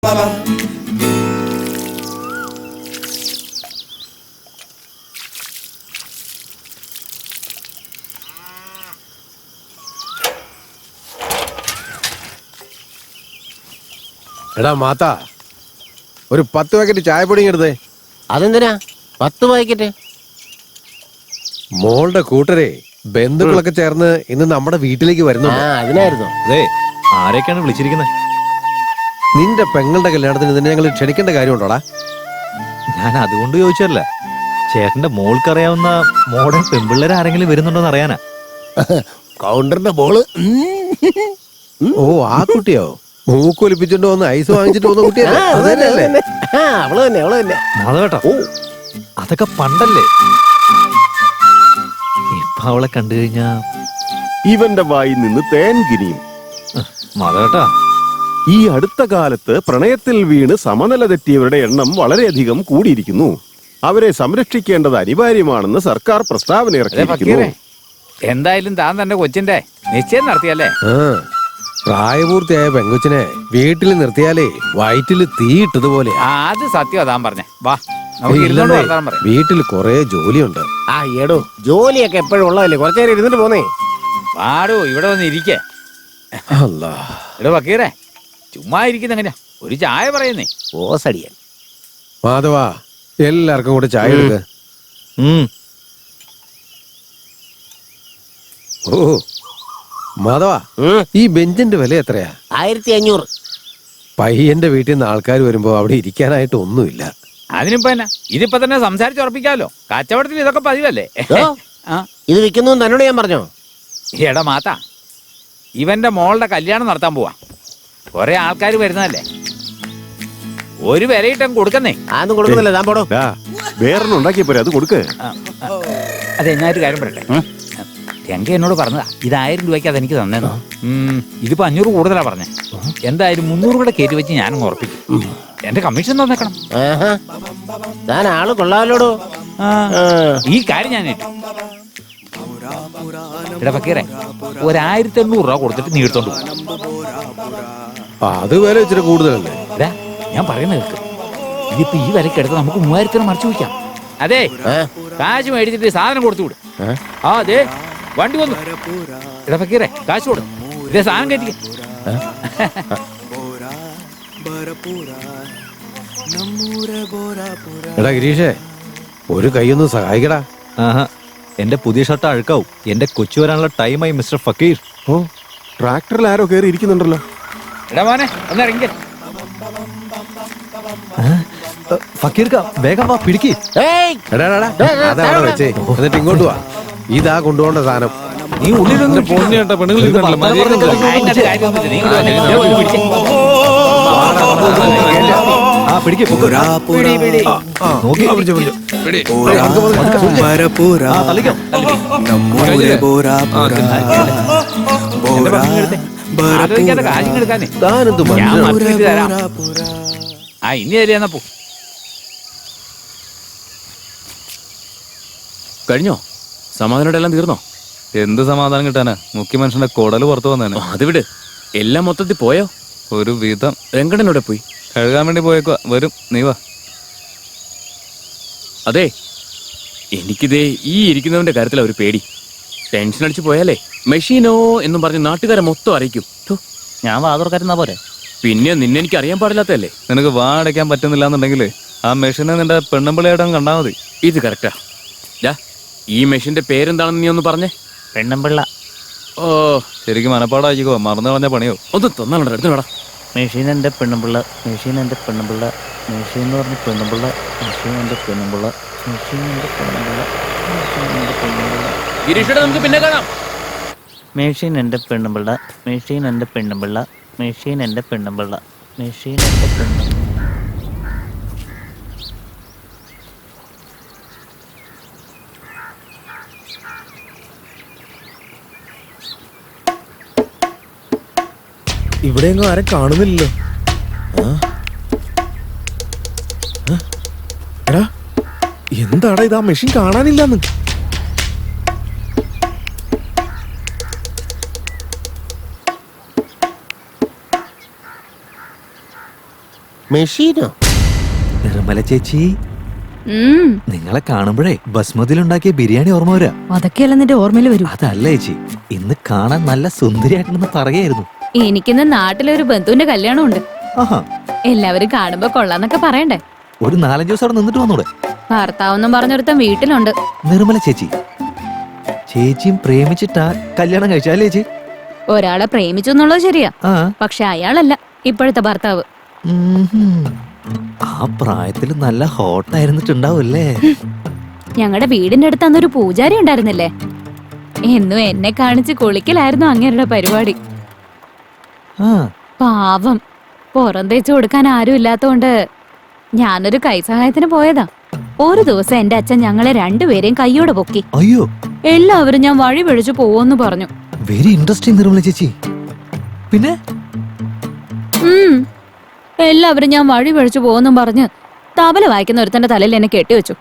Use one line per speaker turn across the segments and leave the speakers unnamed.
എടാ മാത്ത, ഒരു 10 പാക്കറ്റ് ചായപ്പൊടി എടുത്തേ.
അതെന്തിനാ 10 പാക്കറ്റ്?
മോളുടെ കൂട്ടരെ ബന്ധുക്കളൊക്കെ ചേർന്ന് ഇന്ന് നമ്മുടെ വീട്ടിലേക്ക് വരുന്നു.
അതിനായിരുന്നു.
ആരൊക്കെയാണ് വിളിച്ചിരിക്കുന്നത്?
നിന്റെ പെങ്ങളുടെ കല്യാണത്തിന് തന്നെ ഞങ്ങൾ ക്ഷണിക്കേണ്ട കാര്യമുണ്ടോടാ?
ഞാൻ അതുകൊണ്ട് ചോദിച്ചല്ല, ചേട്ടന്റെ മോൾക്കറിയാവുന്ന മോഡേൺ പെൺപിള്ളേർ ആരെങ്കിലും വരുന്നുണ്ടോന്ന് അറിയാനാ.
കൗണ്ടറിന്റെ മോള്.
ഓ, ആ കുട്ടിയോ? മൂക്കൊലിപ്പിച്ചോണ്ട് വന്ന് ഐസ് വാങ്ങിച്ചിട്ട് വന്ന കുട്ടിയല്ലേ?
അവള് തന്നെ.
മാധവേട്ടാ, ഓ അതൊക്കെ പണ്ടല്ലേ. ഇപ്പൊ അവളെ കണ്ടു കഴിഞ്ഞാ
ഇവന്റെ വായിൽ നിന്ന് തേൻ കിനിയും.
മാധവേട്ടാ,
ഈ അടുത്ത കാലത്ത് പ്രണയത്തിൽ വീണ് സമനില തെറ്റിയവരുടെ എണ്ണം വളരെയധികം കൂടിയിരിക്കുന്നു. അവരെ സംരക്ഷിക്കേണ്ടത് അനിവാര്യമാണെന്ന് സർക്കാർ പ്രസ്താവന ഇറക്കിയിരിക്കുന്നു.
എന്തായാലും താൻ തന്റെ കൊച്ചിന്റെ നിശ്ചയം നടത്തിയല്ലേ?
പ്രായപൂർത്തിയായ പെങ്കൊച്ചിനെ വീട്ടിൽ നിർത്തിയാലേ വയറ്റില് തീയിട്ടതുപോലെ.
അത് സത്യം താൻ പറഞ്ഞേ. വാ, നമുക്ക് ഇരുന്നോണ്ട് വർത്താനം പറയാം.
വീട്ടിൽ കൊറേ ജോലിയുണ്ട്.
എടോ, ജോലിയൊക്കെ എപ്പോഴും ഉള്ളതല്ലേ, കുറച്ചേരം ഇരുന്നിട്ട് പോന്നേ.
പാടോ, ഇവിടെ വന്ന് ഇരിക്കേ. എടോ ഫക്കീറേ, ചുമ്മാ ഇരിക്കുന്ന എങ്ങനെയാ? ഒരു ചായ പറയുന്നേ.
ഓസടിയൻ.
മാധവാ, എല്ലാവർക്കും കൂടെ ചായ എടുക്ക. ഓ മാധവാ, ഈ ബെഞ്ചിന്റെ വില എത്രയാ?
1500.
പയ്യന്റെ വീട്ടിൽ നിന്ന് ആൾക്കാർ വരുമ്പോ അവിടെ ഇരിക്കാനായിട്ട് ഒന്നുമില്ല.
അതിനിപ്പോ എന്നാ, ഇതിപ്പോ തന്നെ സംസാരിച്ചുറപ്പിക്കാലോ. കച്ചവടത്തിൽ ഇതൊക്കെ പതിവല്ലേ?
ഇത് വിൽക്കുന്നു തന്നോട് ഞാൻ പറഞ്ഞോ?
എടാ മാത്ത, ഇവന്റെ മോളുടെ കല്യാണം നടത്താൻ പോവാ. കൊറേ ആൾക്കാർ വരുന്നതല്ലേ, ഒരു വിലയിട്ടം കൊടുക്കുന്നേ.
അതൊന്നും കൊടുക്കുന്നില്ല, താൻ പോടോ.
വേറൊന്നും ഉണ്ടാക്കിയ പോരെ, അത് കൊടുക്ക്.
അതെ, ഞാനൊരു കാര്യം പറയട്ടെ. രംഗ എന്നോട് പറഞ്ഞതാ, ഇത് 1000 രൂപയ്ക്ക് അതെനിക്ക് തന്നേന്നോ. ഇതിപ്പോ 500 കൂടുതലാ പറഞ്ഞേ. എന്തായാലും 300 കൂടെ കയറ്റി വെച്ച് ഞാനും ഉറപ്പിക്കും. എന്റെ കമ്മീഷൻ തന്നേക്കണം.
താൻ ആള് കൊള്ളാലോടോ.
ഈ കാര്യം ഞാൻ ഏറ്റു. എടാ ഫക്കീറേ, 1800 രൂപ കൊടുത്തിട്ട് നീ എടുത്തോണ്ട് പോകും.
അത് വില ഇച്ചിരി കൂടുതലല്ലേ?
ഞാൻ പറയുന്ന കേൾക്ക്. ഇതിപ്പോ ഈ വിലക്ക് എടുത്ത് നമുക്ക് 3000 മറിച്ചു വയ്ക്കാം. അതെ, കാശ് മേടിച്ചിട്ട് സാധനം കൊടുത്തു വിടും. അതെ, വണ്ടി വന്നു. എടാ ഫക്കീറേ, കാശ് കൊടു, ഇതേ സാധനം കയറ്റിക്ക.
എടാ ഗിരീഷേ, ഒരു കൈയൊന്ന് സഹായിക്കടാ.
എന്റെ പുതിയ ഷർട്ട് അഴുക്കാവും. എന്റെ കൊച്ചു വരാനുള്ള ടൈമായി മിസ്റ്റർ ഫക്കീർ.
ഓ, ട്രാക്ടറിൽ ആരോ കയറി ഇരിക്കുന്നുണ്ടല്ലോ.
എടാ മോനെ, ഒന്ന് ഇറങ്ങി.
ഫക്കീർ വേഗം വാ, പിടിക്ക്.
അതവിടെ വെച്ചേ, എന്നിട്ട് ഇങ്ങോട്ട് വാ. ഇതാ കൊണ്ടുപോകേണ്ട സാധനം.
നീ ഉള്ളിലൊന്നും
ഇനി തരാ പോ.
കഴിഞ്ഞോ? സമാധാനം എല്ലാം തീർന്നോ?
എന്ത് സമാധാനം കിട്ടാനാ? മുഖ്യമനുഷ്യന്റെ കൊടല് പുറത്തു വന്നേനെ.
അത് വിട്, എല്ലാം മൊത്തത്തിൽ പോയോ?
ഒരു വിധം.
രംഗണ്ണനോടെ പോയി
കഴുകാൻ വേണ്ടി പോയേക്കുവാ. വരും, നീ വാ.
അതെ, എനിക്കിതേ ഈ ഇരിക്കുന്നവന്റെ കാര്യത്തിലാ ഒരു പേടി. ടെൻഷൻ അടിച്ചു പോയാലേ മെഷീനോ എന്നും പറഞ്ഞ് നാട്ടുകാരെ മൊത്തം അറിയിക്കും.
ഞാൻ വാതുറക്കാരുന്നാ പോരെ.
പിന്നെ നിന്നെ എനിക്ക് അറിയാൻ പാടില്ലാത്തല്ലേ.
നിനക്ക് വാ അടയ്ക്കാൻ പറ്റുന്നില്ല എന്നുണ്ടെങ്കിൽ ആ മെഷീനെ നിന്റെ പെണ്ണമ്പിളയായിട്ട് കണ്ടാൽ മതി.
ഇത് കറക്റ്റാ. ഈ മെഷീന്റെ പേരെന്താണെന്ന് നീ ഒന്ന് പറഞ്ഞേ.
പെണ്ണമ്പിള്ള.
ഓ,
ശരിക്കും മനപ്പാടായിക്കോ, മറന്നു കളഞ്ഞ പണിയോ.
ഒന്ന് തന്നാലുണ്ടോ? എടുത്തോടാ.
മെഷീൻ എൻ്റെ പെണ്ണമ്പിള്ള, മെഷീൻ എൻ്റെ പെണ്ണമ്പിള്ള, മെഷീൻ എന്ന് പറഞ്ഞ് പെണ്ണമ്പിള്ള, മെഷീൻ എൻ്റെ പെണ്ണമ്പിള്ള, മെഷീൻ എൻ്റെ പെണ്ണമ്പിള്ള, മെഷീൻ എൻ്റെ പെണ്ണമ്പിള്ള.
ഗിരീഷേട്ടാ, നമുക്ക് പിന്നെ കാണാം.
മെഷീൻ എൻ്റെ പെണ്ണമ്പിള്ള, മെഷീൻ എൻ്റെ പെണ്ണമ്പിള്ള, മെഷീൻ എൻ്റെ പെണ്ണമ്പിള്ള, മെഷീൻ എൻ്റെ പെണ്ണമ്പിള്ള.
ഇവിടെയെങ്ങും ആരും കാണുന്നില്ലല്ലോ. എടാ, എന്താടാ ഇത്? ആ മെഷീൻ കാണാനില്ലെന്ന്.
മെഷീനോ?
നിർമ്മല ചേച്ചി,
ഉം,
നിങ്ങളെ കാണുമ്പോഴേ ബസ്മതിയിലുണ്ടാക്കിയ ബിരിയാണി ഓർമ്മ വരാ.
അതൊക്കെയല്ല നിന്റെ ഓർമ്മയിൽ വരും.
അതല്ല ചേച്ചി, ഇന്ന് കാണാൻ നല്ല സുന്ദരിയായിട്ടുണ്ടെന്ന് പറയായിരുന്നു.
എനിക്കിന്ന് നാട്ടിലൊരു ബന്ധുവിന്റെ കല്യാണം ഉണ്ട്.
ആഹാ,
എല്ലാവരും കാണുമ്പോ കൊള്ളാന്നൊക്കെ പറയണ്ടേ.
ഒരു 4-5 ദിവസം അവിടെ നിന്നിട്ട് വന്നൂടെ?
ഭർത്താവെന്നും പറഞ്ഞൊരുത്തൻ വീട്ടിലുണ്ട്.
നിർമ്മല ചേച്ചി, ചേച്ചിയും പ്രേമിച്ചിട്ടാ കല്യാണം കഴിച്ചാലേ ചേച്ചി?
ഒരാളെ പ്രേമിച്ചു എന്നുള്ളത് ശരിയാ,
ആ,
പക്ഷെ അയാളല്ല ഇപ്പോഴത്തെ ഭർത്താവ്.
ആ പ്രായത്തിൽ നല്ല ഹോട്ടായിരുന്നിട്ടുണ്ടാവൂല്ലേ?
ഞങ്ങളുടെ വീടിന്റെ അടുത്ത് അന്നൊരു പൂജാരി ഉണ്ടായിരുന്നില്ലേ, എന്നും എന്നെ കാണിച്ച് കുളിക്കലായിരുന്നു അങ്ങേരുടെ പരിപാടി.
ആ,
പാവം, പുറം തേച്ച് കൊടുക്കാൻ ആരും ഇല്ലാത്തോണ്ട് ഞാനൊരു കൈസഹായത്തിന് പോയതാ. ഒരു ദിവസം എന്റെ അച്ഛൻ ഞങ്ങളെ രണ്ടുപേരെയും കൈയോടെ പൊക്കി.
അയ്യോ,
എല്ലാവരും ഞാൻ വഴി പിഴച്ചു പോവെന്ന് പറഞ്ഞു.
വെരി ഇൻട്രസ്റ്റിംഗ് നിർമ്മല ചേച്ചി. പിന്നെ
ഉം, എല്ലാവരും ഞാൻ വഴി പിഴച്ചു പോവെന്നും പറഞ്ഞ് തബല വായിക്കുന്ന ഒരുത്തന്റെ തലയിൽ എന്നെ കെട്ടിവെച്ചു.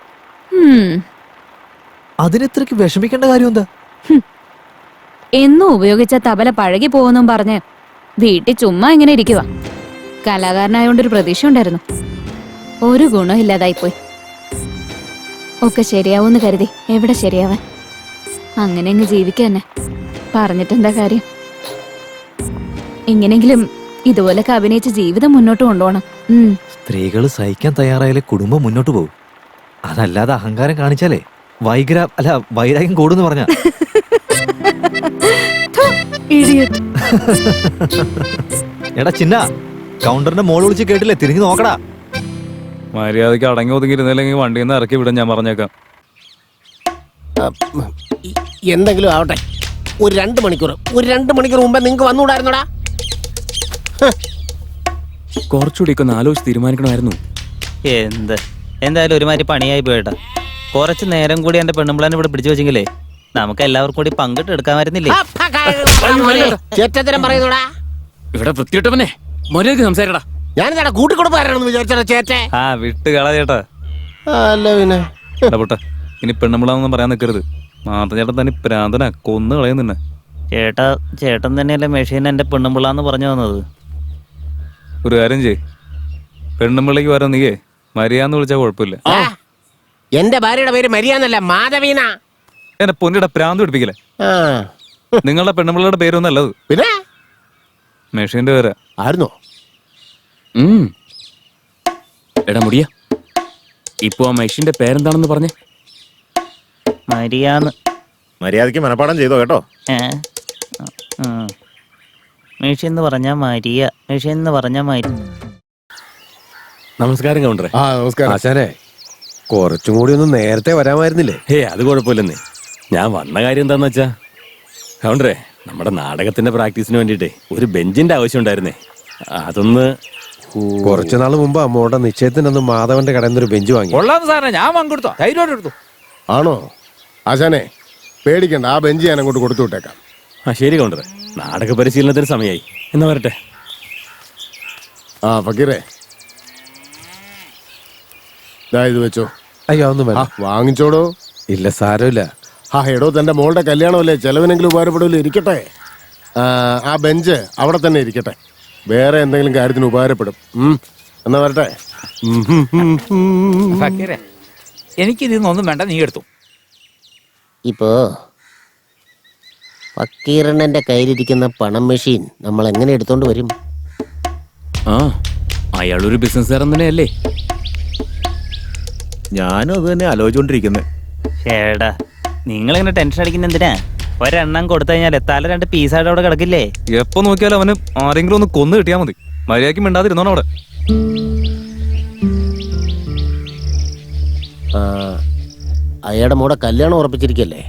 അതിനെത്രക്ക് വിഷമിക്കേണ്ട കാര്യം എന്താ?
എന്നും ഉപയോഗിച്ച തബല പഴകി പോവെന്നും പറഞ്ഞ് വീട്ടിൽ ചുമ്മാ ഇങ്ങനെ ഇരിക്കുക. കലാകാരനായോണ്ടൊരു പ്രതീക്ഷ ഉണ്ടായിരുന്നു. ഒരു ഗുണം ഇല്ലാതായിപ്പോയി. ഒക്കെ ശരിയാവൂന്ന് കരുതി എവിടെ ശരിയാവാൻ. അങ്ങനെ അങ്ങ് ജീവിക്കന്നെ. പറഞ്ഞിട്ടെന്താ കാര്യം? എങ്ങനെങ്കിലും ഇതുപോലൊക്കെ അഭിനയിച്ച് ജീവിതം മുന്നോട്ട് കൊണ്ടുപോകണം.
സ്ത്രീകൾ സഹിക്കാൻ തയ്യാറായാലേ കുടുംബം മുന്നോട്ട് പോകും. അതല്ലാതെ അഹങ്കാരം കാണിച്ചാലേ വൈരാഗ്യം കൂടുന്ന് പറഞ്ഞ. എടാ ചിന്ന, കൗണ്ടറിന്റെ മോള് വിളിച്ച് കേട്ടില്ലേ? തിരിഞ്ഞു നോക്കടാ.
മര്യാദയ്ക്ക് അടങ്ങി ഒതുങ്ങിയിരുന്നില്ലെങ്കിൽ വണ്ടിയിൽ നിന്ന് ഇറക്കി വിടാൻ ഞാൻ പറഞ്ഞേക്കാം.
എന്തെങ്കിലും ആവട്ടെ, ഒരു 2 മണിക്കൂർ മുമ്പേ നിങ്ങക്ക് വന്നുകൂടായിരുന്നോടാ?
കുറച്ചുകൂടിയൊക്കെ ഒന്ന് ആലോചിച്ച് തീരുമാനിക്കണമായിരുന്നു.
എന്തായാലും ഒരുമാതിരി പണിയായി പോയിട്ടാ. കുറച്ച് നേരം കൂടി എന്റെ പെണ്ണുമ്പിളാനെ ഇവിടെ പിടിച്ചു വെച്ചെങ്കിലേ നമുക്ക് എല്ലാവർക്കും കൂടി പങ്കിട്ട് എടുക്കാമായിരുന്നില്ലേ?
ചേറ്റത്തരം പറയുന്നോടാ.
ഇവിടെ വൃത്തിയിട്ടവനെ മര്യാദയ്ക്ക് സംസാരിക്കടാ.
ഞാനെന്താ കൂട്ടിക്കൊടുപ്പാരാണെന്ന് വിചാരിച്ചോ ചേറ്റെ?
ആ വിട്ട് കള ചേട്ടാ.
അല്ല പിന്നെ
ഇടപെട്ട ഇനി പെണ്ണുമ്പിളാന്നൊന്നും പറയാൻ നിൽക്കരുത്. മാത്ത ചേട്ടൻ തന്നെ പ്രാന്തന കൊന്നു കളയുന്നുണ്ട്.
ചേട്ടൻ തന്നെയല്ലേ മെഷീൻ എന്റെ പെണ്ണുമ്പിള്ളാന്ന് പറഞ്ഞു തന്നത്.
ഒരു കാര്യം ചെയ്യ്, പെണ്ണുമ്പിള്ളക്ക് വരാൻ നീയേ മരിയാന്ന് വിളിച്ചാൽ കുഴപ്പമില്ല.
എന്റെ ഭാര്യയുടെ പേര് മരിയാന്നല്ല, മാധവീന.
എന്നെ പൊന്നിയുടെ പ്രാന്ത് പിടിപ്പിക്കലേ. നിങ്ങളുടെ പെണ്ണുമ്പിള്ളയുടെ പേരൊന്നല്ലത്,
പിന്നെ
മെഷീന്റെ പേരാ.
ആയിരുന്നോ?
എടാ മുടിയ, ഇപ്പൊ ആ മെഷീന്റെ പേരെന്താണെന്ന് പറഞ്ഞേ?
മരിയാന്ന്.
മര്യാദയ്ക്ക് മനപ്പാടം ചെയ്തോ കേട്ടോ.
മെഷീൻ എന്ന് പറഞ്ഞാ മരിയ, മെഷീൻ എന്ന് പറഞ്ഞാ മരി.
നമസ്കാരം കൗണ്ടറെ.
നമസ്കാരം.
ആശാനെ, കുറച്ചും കൂടി ഒന്ന് നേരത്തെ വരാമായിരുന്നില്ലേ?
അത് കുഴപ്പമില്ലെന്നേ. ഞാൻ വന്ന കാര്യം എന്താന്ന് വെച്ചാ കൗണ്ടറെ, നമ്മുടെ നാടകത്തിന്റെ പ്രാക്ടീസിന് വേണ്ടിട്ടേ ഒരു ബെഞ്ചിന്റെ ആവശ്യം ഉണ്ടായിരുന്നേ. അതൊന്ന്
കുറച്ചു നാൾ മുമ്പ് അമ്മോടെ നിശ്ചയത്തിനൊന്ന് മാധവന്റെ കടയിൽ നിന്നൊരു ബെഞ്ച് വാങ്ങി.
കൊള്ളാന്ന് സാറേ, ഞാൻ പങ്കെടുത്തോ, ധൈര്യമായിട്ട് എടുത്തു.
ആണോ? ആശാനെ പേടിക്കണ്ട, ആ ബെഞ്ച് ഞാൻ അങ്ങോട്ട് കൊടുത്തു വിട്ടേക്കാം.
ശരി കൗണ്ടറെ, നാടക പരിശീലനത്തിന് സമയമായി. എന്നാ വരട്ടെ.
ഫക്കീറേ, ഇത് വെച്ചോ.
അയ്യോ ഒന്നും വേണ്ട.
വാങ്ങിച്ചോടോ.
ഇല്ല, സാരമില്ല.
എടോ, തന്റെ മോളുടെ കല്യാണമല്ലേ, ചെലവിനെങ്കിലും ഉപകാരപ്പെടില്ല. ഇരിക്കട്ടെ. ആ ബെഞ്ച് അവിടെ തന്നെ ഇരിക്കട്ടെ. വേറെ എന്തെങ്കിലും കാര്യത്തിന് ഉപകാരപ്പെടും. എന്നാ വരട്ടെ.
ഫക്കീറെ, എനിക്കിതൊന്നും വേണ്ട, നീ എടുത്തു.
ഇപ്പോ ഫക്കീറണ്ണന്റെ കയ്യിലിരിക്കുന്ന പണം മെഷീൻ നമ്മൾ എങ്ങനെ എടുത്തോണ്ട് വരും?
അയാളൊരു ബിസിനസ്സുകാരൻ തന്നെയല്ലേ?
ഞാനും അത് തന്നെ ആലോചിച്ചോണ്ടിരിക്കുന്നത്.
ചേടാ, നിങ്ങളിങ്ങനെ ടെൻഷൻ അടിക്കുന്ന എന്തിനാ? ഒരെണ്ണം കൊടുത്തു കഴിഞ്ഞാൽ തല 2 പീസായിട്ട് അവിടെ കിടക്കില്ലേ?
എപ്പോ നോക്കിയാലും അവന് ആരെങ്കിലും ഒന്ന് കൊന്നു കിട്ടിയാ മതി. മര്യാദയ്ക്ക് മിണ്ടാതിരുന്നോണം അവിടെ.
അയാളുടെ മോടെ കല്യാണം ഉറപ്പിച്ചിരിക്കല്ലേ?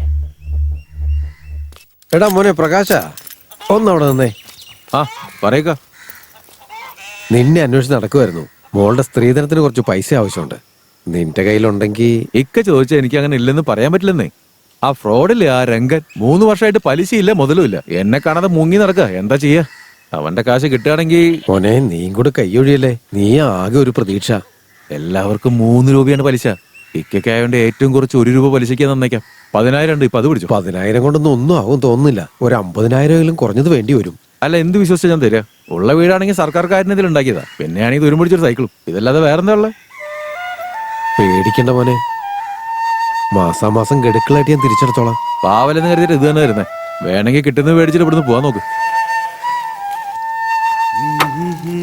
എടാ മോനെ പ്രകാശ, ഒന്നവിടെ നിന്നേ.
പറയക്ക.
നിന്നെ അന്വേഷിച്ച് നടക്കുമായിരുന്നു. മോളുടെ സ്ത്രീധനത്തിന് കുറച്ച് പൈസ ആവശ്യമുണ്ട്. നിന്റെ കയ്യിലുണ്ടെങ്കിൽ.
ഇക്ക ചോദിച്ചാൽ എനിക്ക് അങ്ങനെ ഇല്ലെന്ന് പറയാൻ പറ്റില്ലെന്നേ. ആ ഫ്രോഡില്ലേ ആ രംഗൻ, 3 വർഷമായിട്ട് പലിശയില്ല മുതലുമില്ല. എന്നെ കാണാതെ മുങ്ങി നടക്കുക. എന്താ ചെയ്യാ? അവന്റെ കാശ് കിട്ടുകയാണെങ്കിൽ.
മോനെ, നീയും കൂടെ കൈയൊഴിയല്ലേ. നീ ആകെ ഒരു പ്രതീക്ഷ.
എല്ലാവർക്കും 3 രൂപയാണ് പലിശ. ഇക്കായോണ്ട് ഏറ്റവും കുറച്ച് 1 രൂപ പലിശയ്ക്ക് തന്നേക്കാം. 10,000 ഉണ്ട്. ഇപ്പൊ അത് പിടിച്ചു.
10,000 കൊണ്ടൊന്നും ഒന്നും ആവും തോന്നുന്നില്ല. ഒരു 50,000 കുറഞ്ഞത് വേണ്ടി വരും.
അല്ല, എന്ത് വിശ്വസിച്ചാ ഞാൻ തരാ? ഉള്ള വീടാണെങ്കിൽ സർക്കാർ കാര്യത്തിൽ ഉണ്ടാക്കിയതാ. പിന്നെയാണെങ്കിൽ തുരുമ്പിടിച്ചൊരു സൈക്കിളും. ഇതല്ലാതെ വേറെന്താ ഉള്ളത്?
പേടിക്കണ്ട മോനെ, മാസാമാസം ഗഡുക്കളായിട്ട് ഞാൻ തിരിച്ചെടുത്തോളാം.
പാവലെന്ന് കരുതിയിട്ട് ഇത് തന്നെ വരുന്നേ. വേണമെങ്കിൽ കിട്ടുന്നത് മേടിച്ചിട്ട് ഇവിടുന്ന് പോവാൻ നോക്ക്.